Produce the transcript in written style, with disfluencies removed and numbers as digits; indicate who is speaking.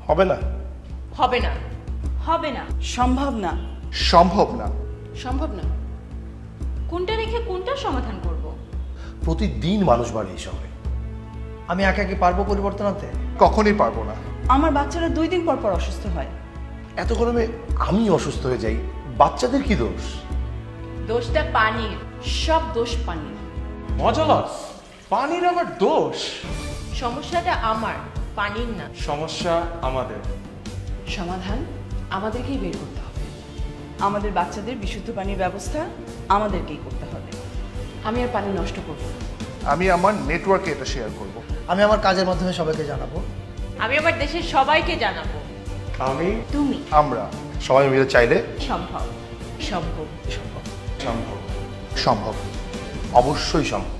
Speaker 1: হবে না।
Speaker 2: হবে না। হবে না।
Speaker 3: সম্ভব না।
Speaker 1: সম্ভব না।
Speaker 2: সম্ভব না। কোনটা রেখে কোনটা সমাধান করব?
Speaker 1: প্রতিদিন মানুষ বাড়ে এই শহরে।
Speaker 4: আমি একা কি পারবো পরিবর্তন আনতে?
Speaker 1: কখনোই পারবো না।
Speaker 3: আমার বাচ্চারা 2 দিন পর পর অসুস্থ হয়।
Speaker 1: এত গরমে আমি অসুস্থ হয়ে যাই, বাচ্চাদের কি দোষ?
Speaker 2: দোষটা পানির। সব দোষ পানির।
Speaker 5: মজা লস, পানির আবার দোষ?
Speaker 2: সমস্যাটা আমার, পানির না।
Speaker 5: সমস্যা আমাদের।
Speaker 2: সমাধান আমাদেরকেই বের করতে হবে।
Speaker 3: আমাদের বাচ্চাদের বিশুদ্ধ পানির ব্যবস্থা আমাদেরকেই করতে হবে।
Speaker 2: আমি আর পানি নষ্ট করব না।
Speaker 1: আমি আমার নেটওয়ার্কে এটা শেয়ার করব।
Speaker 4: আমি আমার কাজের মাধ্যমে সবাইকে জানাবো।
Speaker 2: আমি আমার দেশের সবাইকে জানাবো।
Speaker 5: আমি
Speaker 2: তুমি।
Speaker 1: আমরা সবাই মিলে চাইলে
Speaker 2: সম্ভব। সম্ভব।
Speaker 5: সম্ভব।
Speaker 1: সম্ভব, অবশ্যই সম্ভব।